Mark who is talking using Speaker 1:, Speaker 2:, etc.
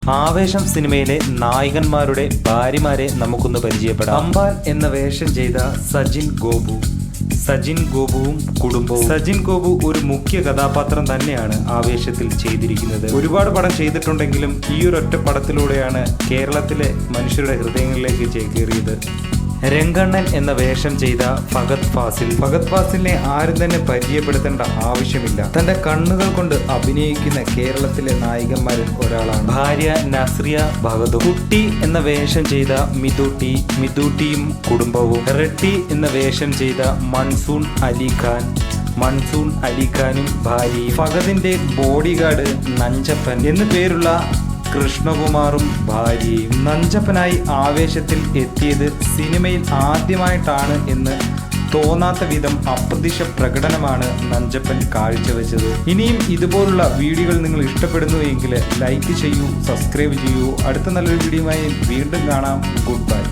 Speaker 1: ആവേശം സിനിമയിലെ നായകന്മാരുടെ ഭാര്യമാരെ നമുക്കൊന്ന് പരിചയപ്പെടാം. അമ്പാൻ എന്ന വേഷം ചെയ്ത സജിൻ ഗോപുവും കുടുംബവും. സജിൻ ഗോപു ഒരു മുഖ്യ കഥാപാത്രം തന്നെയാണ് ആവേശത്തിൽ ചെയ്തിരിക്കുന്നത്. ഒരുപാട് പടം ചെയ്തിട്ടുണ്ടെങ്കിലും ഈ ഒരൊറ്റ പടത്തിലൂടെയാണ് കേരളത്തിലെ മനുഷ്യരുടെ ഹൃദയങ്ങളിലേക്ക് ചേക്കേറിയത്. രംഗണ്ണൻ എന്ന വേഷം ചെയ്ത ഫഹദ് ഫാസിലിനെ ആരും തന്നെ പരിചയപ്പെടുത്തേണ്ട ആവശ്യമില്ല. തന്റെ കണ്ണുകൾ കൊണ്ട് അഭിനയിക്കുന്ന കേരളത്തിലെ നായികന്മാരിൽ ഒരാളാണ്. ഭാര്യ നസ്രിയ ബഹദൂർ. കുട്ടി എന്ന വേഷം ചെയ്ത മിതുട്ടിയും കുടുംബവും. റെഡ്ഡി എന്ന വേഷം ചെയ്ത മൺസൂൺ അലിഖാനും ഭാര്യയും. ഫഹദിന്റെ ബോഡിഗാർഡ് നഞ്ചപ്പൻ എന്നു പേരുള്ള കൃഷ്ണകുമാറും ഭാര്യയും. നഞ്ചപ്പനായി ആവേശത്തിൽ എത്തിയത് സിനിമയിൽ ആദ്യമായിട്ടാണ് എന്ന് തോന്നാത്ത വിധം അപ്രതീക്ഷ പ്രകടനമാണ് നഞ്ചപ്പൻ കാഴ്ചവെച്ചത്. ഇനിയും ഇതുപോലുള്ള വീഡിയോകൾ നിങ്ങൾ ഇഷ്ടപ്പെടുന്നു എങ്കിൽ ലൈക്ക് ചെയ്യൂ, സബ്സ്ക്രൈബ് ചെയ്യൂ. അടുത്ത നല്ലൊരു വീഡിയോയുമായി വീണ്ടും കാണാം. Good by.